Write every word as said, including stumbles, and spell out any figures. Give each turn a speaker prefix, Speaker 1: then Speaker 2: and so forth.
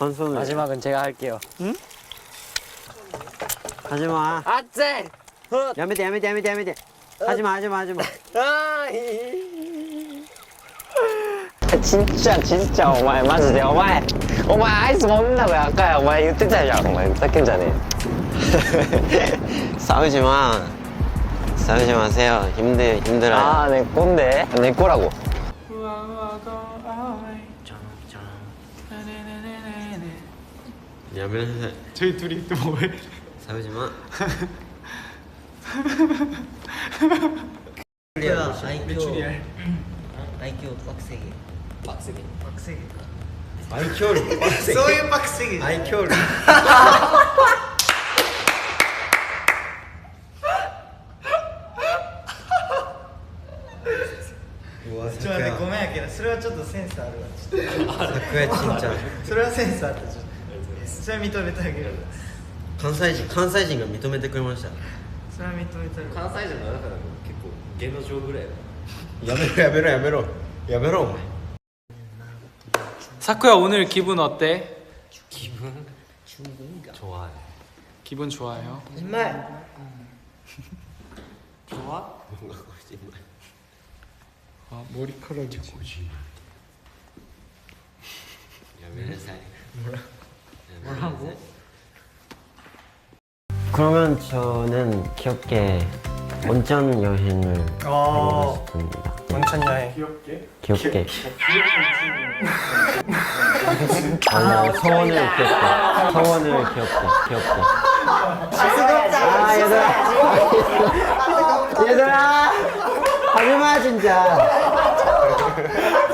Speaker 1: 한 손을.
Speaker 2: 마지막은 제가 할게요.
Speaker 1: 응? 하지마.
Speaker 2: 아째!
Speaker 1: 야메데 야메데 야메데 야메데. 하지마 하지마 하지마.
Speaker 2: 진짜 진짜 오마이 마지で 오마이 오마이 아이스 먹는다고 아까 오마이 言ってたじゃんお前ふざけんじゃねえ
Speaker 1: 싸우지 마. 싸우지 마세요. 힘들 힘들어요.
Speaker 2: 아, 내 꼰대. 내 거라고.
Speaker 1: 야면서
Speaker 3: 저희 둘이 또 뭐해?
Speaker 1: 싸우지 마.
Speaker 3: 메추리알.
Speaker 4: 아이큐 빡세게.
Speaker 1: 빡세게.
Speaker 4: 빡세게.
Speaker 1: 아이큐를 빡세게.
Speaker 4: 소유 빡세게.
Speaker 1: 아이큐를. 우와,
Speaker 4: ちょっと待ってごめんやけどそれはちょっとセンスあるわちょっと
Speaker 1: 사쿠야 진짜
Speaker 4: それはセンスあったちょっとそれは認めてあげる
Speaker 1: 関西人関西人が認めてくれました。
Speaker 4: それは認めてあげる
Speaker 5: 関西人の中でも結構芸能上ぐらい
Speaker 1: やめろやめろやめろやめろお前。
Speaker 3: 사쿠야 오늘 기분 어때?
Speaker 5: 기분 좋아요.
Speaker 3: 기분 좋아요.
Speaker 4: 정말
Speaker 5: 좋아?
Speaker 1: 뭔가 거짓말.
Speaker 3: 아, 머리카락이
Speaker 1: 야메사이.
Speaker 4: 뭐라고?
Speaker 1: 그러면 저는 귀엽게 온천 여행을 가고 싶습니다.
Speaker 4: 온천 여행
Speaker 3: 귀엽게.
Speaker 1: 귀엽게. 아, 서원을 귀엽게. 서원을 귀엽게. 귀엽게. 아, 얘들아. 얘들아. 하지마 진짜.